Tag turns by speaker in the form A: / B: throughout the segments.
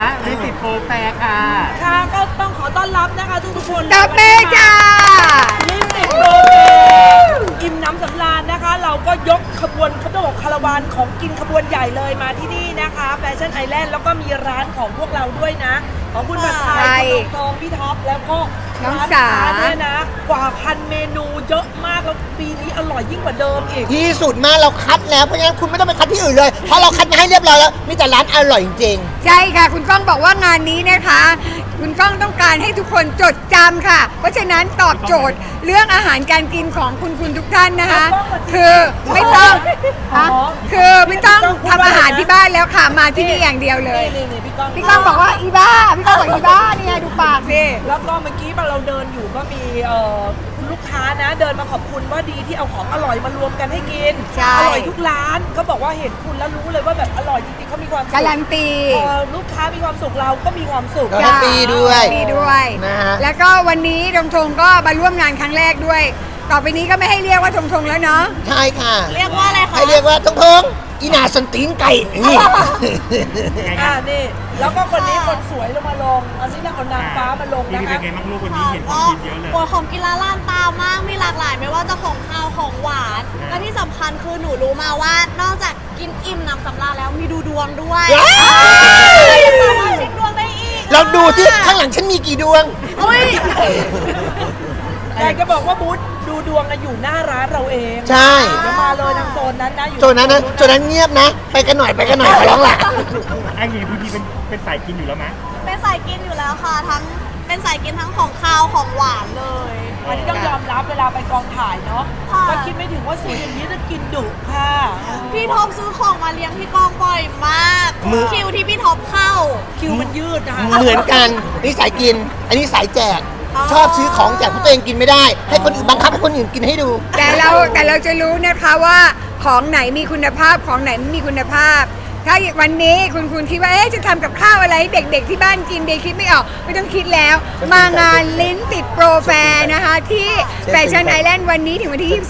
A: ลิติดโปรแฟร์ค่ะ
B: ค่ะก็ต้องขอต้อนรับนะคะทุกคน
C: ตบมือจ้า
B: ลิปติดโปรแฟร์อิ่มน้ำสำราญนะคะเราก็ยกขบวนเขาต้องบอกคาราวานของกินขบวนใหญ่เลยมาที่นี่นะคะแฟชั่นไอแลนด์แล้วก็มีร้านของพวกเราด้วยนะของคุณผัดไทยคุณทองพี่ท็อปแล้วก็
C: น้องสา
B: เนี่ยนะกว่า1,000 เมนูเยอะมากแล้วปีนี้อร่อยยิ่งกว่าเดิมอีก
D: ที่สุดมากเราคัดแล้วเพราะฉะนั้นคุณไม่ต้องไปคัดที่อื่นเลยเพราะเราคัดมาให้เรียบร้อยแล้วมีแต่ร้านอร่อยจริง
C: ใช่ค่ะคุณก้องบอกว่างานนี้นะคะคุณก้องต้องการให้ทุกคนจดจำค่ะเพราะฉะนั้นตอบโจทย์เรื่องอาหารการกินของคุณทุกท่านนะคะคือไม่ต้องทำอาหารที่บ้านแล้วค่ะมาที่นี่อย่างเดียวเลยพี่ก้องบอกว่าอีบ้าพี่ก้องบอกอีบ้าเนี่ยดูปากสิ
B: แล้วก็เมื่อกี้เราเดินอยู่ก็มีคุณลูกค้านะเดินมาขอบคุณว่าดีที่เอาของอร่อยมารวมกันให้กินอร่อยทุกร้านเขาบอกว่าเห็นคุณแล้วรู้เลยว่าแบบอร่อยจริงๆเขามีความสุข
C: การันตี
B: ลูกค้ามีความสุขเราก็มีความสุข
D: แฮปปี้ด้วย
C: นะฮะแล้วก็วันนี้ทงก็มาร่วมงานครั้งแรกด้วยต่อไปนี้ก็ไม่ให้เรียกว่าทงแล้วเนาะ
D: ใช่ค่ะ
B: เรียกว่าอะไรคะ
D: ให้เรียกว่าทงอีนาสันตีนไก่นี่
B: นี่แล้วก็คนนี้คนสวยลงมาลงอันนี้นางเอานางฟ้ามาลงนะคะ
A: เป็นไงบ้างลูกวันนี้เห็นของกินเยอะเลย
E: ของกินล้านตามากมีหลากหลายไม่ว่าจะของข้าวของหวานและที่สำคัญคือหนูรู้มาว่านอกจากกินอิ่มน้ำสำราญแล้วมีดูดวงด้วยสามารถเช็คดวงได้อีก
D: เราดูที่ข้างหลังฉันมีกี่ดวง
B: อยากจะบอกว่าบูธดูดวงอยู่หน้าร้านเราเอง
D: ใช่
B: เดี๋ยวมาเลยทางโซนนั้นนะอยู่
D: โซนนั้นเงียบนะไปกันหน่อยขอร้องล่ะ
A: ไอ้งี้พี่เป็นสายกินอยู่แล้วมั้ย
E: เป็นสายกินอยู่แล้วค่ะทั้งเป็นสายกินทั้งของข้าวของหวานเลย
B: วันนี้ต้องยอมรับเวลาไปกองถ่ายเนาะก็คิดไม่ถึงว่าสวยอย่างนี้จะกินดุค่ะ
E: พี่ท็อปซื้อของมาเลี้ยงพี่กองบ่อยมากคิวที่พี่ท็อปเข้า
B: คิวมันยืดนะคะ
D: เหมือนกันนี่สายกินอันนี้สายแจกชอบซื้อของแจกเพราะตัวเองกินไม่ได้ให้คนอื่นบังคับให้คนอื่นกินให้ดู
C: แต่เราจะรู้นะคะว่าของไหนมีคุณภาพของไหนไม่มีคุณภาพถ้าวันนี้คุณคิดว่าจะทำกับข้าวอะไรเด็กๆที่บ้านกินเด็กคิดไม่ออกไม่ต้องคิดแล้วมางานลิ้นติดโปรแฟร์นะคะที่แฟชั่นไอแลนด์วันนี้ถึงวันที่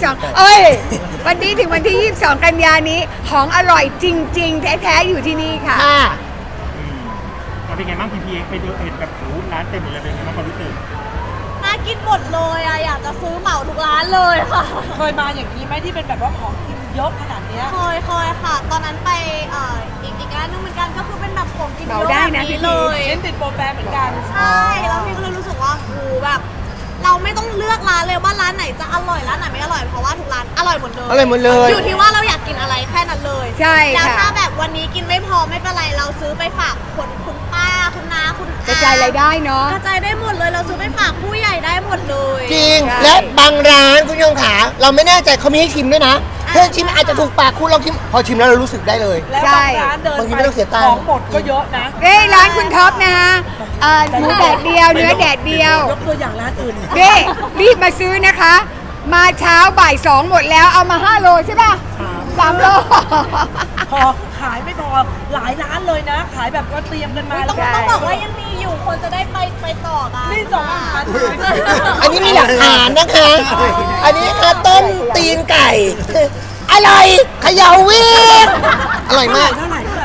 C: 22วันนี้ถึงวันที่22กันยานี้ของอร่อยจริงๆแท้ๆอยู่ที่นี่ค่ะ
A: เป็นไงบ้างพี่ไปดูเห็นแบบร้านเต็มเลยเป็นไงบ้างความรู้สึก
E: น่ากินหมดเลยอะอยากจะซื้อเหมาทุกร้านเลยค่ะ
B: เคยมาอย่างนี้ไหมที่เป็นแบบว่าของกินเยอะขนาดนี้
E: เคยค่ะตอนนั้นไปอีกร้านนึงเหมือนกันก็คือเป็นแบบของกินเยอะแบบนี้เลย
B: เล่นติดโปรแฟร์เหมือนกัน
E: ใช่แล้วพี่ก็เลยรู้สึกว่าแบบเราไม่ต้องเลือกร้านเลยว่าร้านไหนจะอร่อยร้านไหนไม่อร่อยเพราะว่าทุกร้านอร่อยหมดเลยอยู่ที่ว่าเราอยากกินอะไรแค่นั้นเลย
C: ใช่
E: แล้วถ้าแบบวันนี้กินไม่พอไม่เป็นไรเราซื้อไปฝากคุณป้าคุณน้าคุณ
C: กระจายรายได้เนาะ
E: กระจายได้หมดเลยเราซื้อไปฝากผู้ใหญ่ได้หมดเลย
D: จริงและบางร้านคุณยงขาเราไม่แน่ใจเขามีให้ชิมด้วยนะเพื่อชิมอาจจะถูกปากคุณลองชิมพอชิมแล้วเรารู้สึกได้เลย
B: แล้วบางร้านเดินไปของหมดก็เยอะนะ
C: ร้านคุณท็อปนะหมูแดดเดียวเนื้อแดดเดียวย
B: กตัวอย่างร้านอื่น
C: รีบมาซื้อนะคะมาเช้าบ่าย2หมดแล้วเอามา5โลใช่ป่ะ3โล
B: พอขายไม่พอหลายร้านเลยนะขายแบบก็เตรียมกันมา
E: แล้วต้องบอกว่ายังมีอยู่คนจะได้ไปต่อกัน
B: นี่2 อัน
D: อันนี้มีหลักฐานนะคะอันนี้ค่ะต้มตีนไก่อร่อยเขย่าวิ่งอร่อยมาก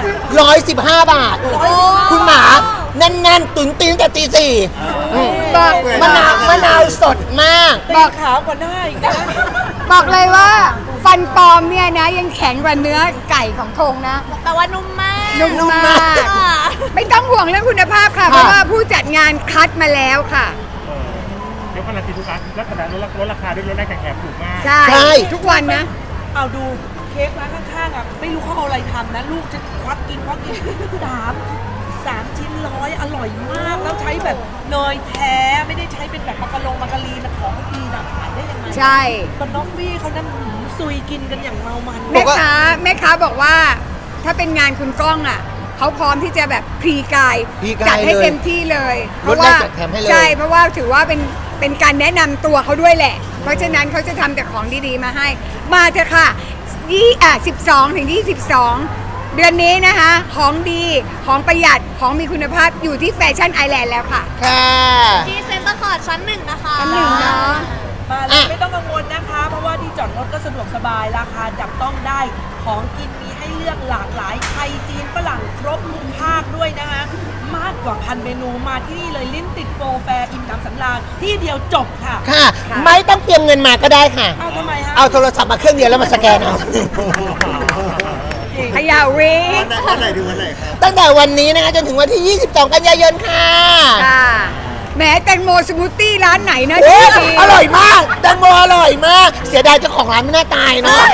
D: 115 บาทคุณหมาแน่นๆตุ๋นตีนแต่ตี 4บอกมะนาวสดมาก
B: บอกขาวกว่าหน้าอีกนะ
C: บอกเลยว่าฟันปลอมเนี่ยนะยังแข็งกว่าเนื้อไก่ของทงนะ
E: แต่ว่านุ่มมาก
C: ไม่ต้องห่วงเรื่องคุณภาพค่ะเพราะว่าผู้จัดงานคัดมาแล้วค่ะ
A: เดี๋ยวการันตีทุกร้านลักษณะลดราคาด้วยลดได้แข่งถูกมาก
C: ใช่ทุกวันนะ
B: เอาดูเค้กร้านข้างๆอ่ะไม่รู้เขาเอาอะไรทำนะลูกจะควักกิน3 ชิ้น100อร่อยมากแล้วใช้แบบเนยแท้ไม่ได้ใช้เป็นแบบมะกะลีนะของดีนะขายได้ยังไง
C: ใช่
B: ตอนน้องฟี่เขานั่นซุยกินกันอย่างเมามัน
C: แม่ค้าบอกว่าถ้าเป็นงานคุณก้องอ่ะเขาพร้อมที่จะแบบพรีกายจัดให้เต็มที่เลย
D: เพราะว่า
C: ใช่เพราะว่าถือว่าเป็นการแนะนำตัวเขาด้วยแหละเพราะฉะนั้นเขาจะทำแต่ของดีๆมาให้มาเถอะค่ะ12 ถึง 22เดือนนี้นะคะของดีของประหยัดของมีคุณภาพอยู่ที่แฟชั่นไอแลนด์แล้วค่ะ
E: ที่เซ็นเตอร์คอร์ดชั้น 1นะคะ
C: ชั้น 1เนาะ
B: มาเลยไม่ต้องกังวลนะคะเพราะว่าที่จอดรถก็สะดวกสบายราคาจับต้องได้ขของกินมีให้เลือกหลากหลายไทยจีนฝรั่งครบทุกภาคด้วยนะคะมากกว่า1,000 เมนูมาที่นี่เลยลิ้นติดโปรแฟร์อิ่มหนำสำราญที่เดียวจบค่ะ
D: ค่ะ ไม่ต้องเตรียมเงินมาก็ได้ค่ะ
B: เอาทำไมฮะ
D: เอาโทรศัพท์มาเครื่องเดียวแล้วมาสแกนเอา
C: ขยาวิก
A: วันไหนถึงวันไหนครับ
D: ตั้งแต่วันนี้นะคะจนถึงวันที่ 22 กันยายนค่ะ
C: ค่ะแหมแตงโมสมูทตี้ร้านไหนนะ
D: โอ้
C: ดี
D: อร่อยมากแตงโมอร่อยมาก เสียดายเจ้าของร้านไม่น่าตายเนาะ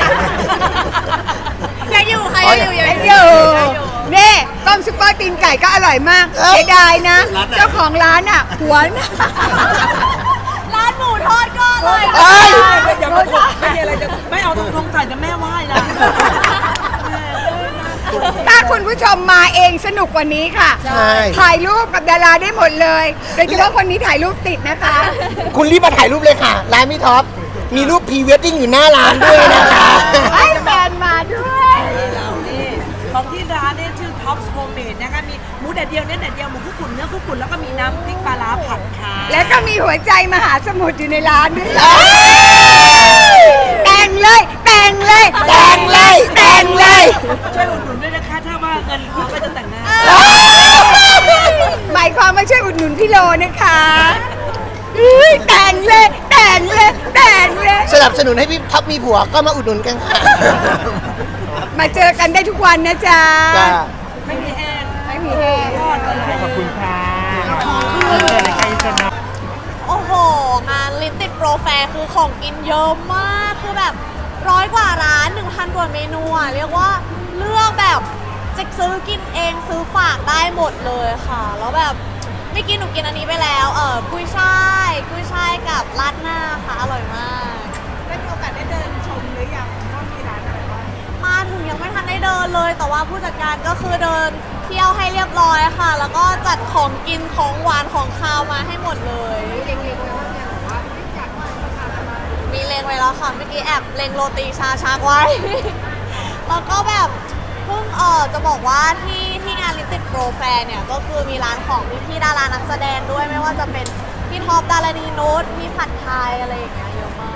E: ยังอยู่ค่ะ
D: อ๋อ
E: ยังอยู่
C: ไอ้
E: ยัง
C: อ
E: อยู่
C: ยู่นี่ต้มซุปเปอร์ตีนไก่ก็อร่อยมาก
D: เอ้ย
C: เสียดายนะ เจ้าของร้านอ่ะหัวนะ
E: ร้านหมูทอดก็อร่อย
D: เอ้ย
B: อย่ามาถกไม่มีอะไรจะไม่เอาธงใส่แต่แม่ไหว้นะ
C: ถ้าคุณผู้ชมมาเองสนุกกว่านี้ค่ะ
D: ใช่
C: ถ่ายรูปกับดาราได้หมดเลยโดยเฉพาะคนนี้ถ่ายรูปติดนะคะ
D: คุณรีบมาถ่ายรูปเลยค่ะ ร้านพี่ท็อป มีรูปพรีเวดดิ้งอยู่หน้าร้านด้วยนะคะ
C: ให้แฟนมาด้วย
B: เรานี่ของที่ร้านเนี่ยชื่อ Tops Homemade นะคะมีหมูแดดเดียวเนื้อแดดเดียวหมูคุกกุ่นเนื้อคุกกุ่นแล้วก็มีน้ำพริกปลาร้าผัดค่ะ
C: แล้วก็มีหัวใจมหาสมุทรอยู่ในร้านด้วยแต่งเลยแต่งเลย
D: แต่งเลยแต่งเลย
B: ช่วยอุดหนุนด้วยนะคะ ถ้าว่าเงินพอก็จะแต่งหน้า
C: หมายความว่าช่วยอุดหนุนพี่โลนะคะอุ๊ยแต่งเลยแต่งเลยแต่งเลย
D: สนับสนุนให้พี่ท็อปมีผัวก็มาอุดหนุนกันค่ะ
C: มาเจอกันได้ทุกวันนะจ๊ะ
D: จ้า
B: ไม่มีแห้ง
C: ไม่มีแห้ง
B: ทอดกันเลย
A: ขอบคุณค่ะเจอในใครจะนะ
E: โอ้โห งานลิ้นติดโปรแฟร์คือของกินเยอะมาก คือแบบ100 กว่าร้าน 1,000 กว่าเมนูอ่ะ เรียกว่าเลือกแบบจะซื้อกินเองซื้อฝากได้หมดเลยค่ะ แล้วแบบไม่กินหนูกินอันนี้ไปแล้ว กุ้ยช่ายกับราดหน้าค่ะ อร่อยมาก
C: ได้มีโอกาสได้เดินชมหรือยังว่ามีร้านอะไรบ้าง
E: มาถึงยังไม่ทันได้เดินเลย แต่ว่าผู้จัดการก็คือเดินเที่ยวให้เรียบร้อยค่ะ แล้วก็จัดของกินของหวานของคาวมาให้หมดเลยมีเลงไว้แล้วค่ะเมื่อกี้แอบเลงโรตีชาชักไว้ แล้วก็แบบเพิ่งจะบอกว่าที่งานลิมิเต็ดโปรแฟร์เนี่ยก็คือมีร้านของพี่ดารานักแสดงด้วยไม่ว่าจะเป็นพี่ท็อปดารณีนุชพี่ผัดไทยอะไรอย่างเงี้ยเยอะมาก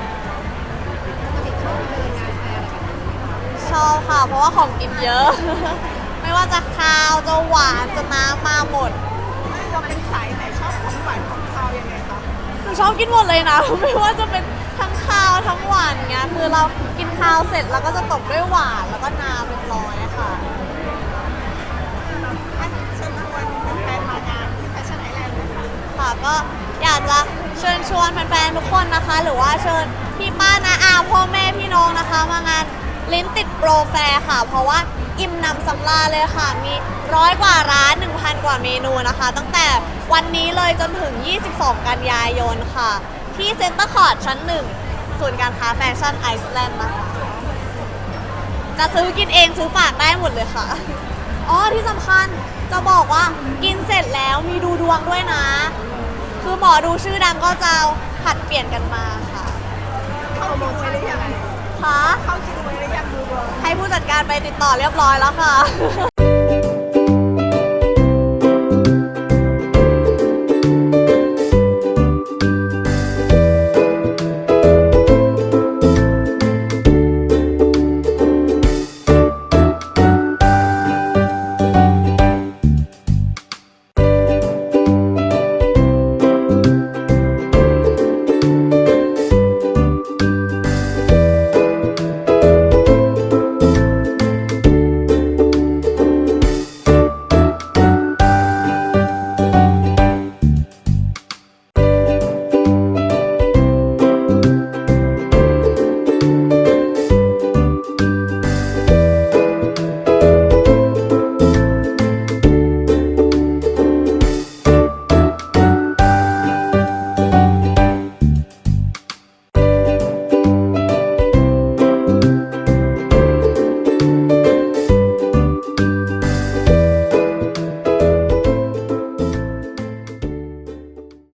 E: ชอบค่ะ เพราะว่าของกินเยอะ ไม่ว่าจะคาวจะหวานจะน้ำมาหมดเราเป็นสายไหนชอบของหวานของคาวยังไงคะหนูชอบกินหมดเลยนะ ไม่ว่าจะเป็นทั้งคาวทั้งหวานเงี้ยคือเรากินคาวเสร็จแล้วก็จะตบด้วยหวานแล้วก็น้ำเรียบร้อยค่ะเชิญชวนแฟนๆมางานที่แฟชั่นไอแลนด์ค่ะก็อยากจะเชิญชวนแฟนๆทุกคนนะคะ หรือว่าเชิญพี่ป้าน้าอาพ่อแม่พี่น้องนะคะมางานลิ้นติดโปรแฟร์ค่ะ เพราะว่าอิ่มหนำสำราญเลยค่ะ มี100 กว่าร้าน 1,000 กว่าเมนูนะคะ ตั้งแต่วันนี้เลยจนถึง 22 กันยายนค่ะ ที่เซ็นเตอร์คอร์ทชั้น 1 ศูนย์การค้าแฟชั่นไอซ์แลนด์นะคะ จะซื้อกินเองซื้อฝากได้หมดเลยค่ะ อ๋อ ที่สำคัญจะบอกว่ากินเสร็จแล้วมีดูดวงด้วยนะ คือหมอดูชื่อดังก็จะผัดเปลี่ยนกันมาค่ะ เข้าคิวไว้หรือยังคะเข้าคิวไว้หรือยังดูดวงให้ผู้จัดการไปติดต่อเรียบร้อยแล้วค่ะ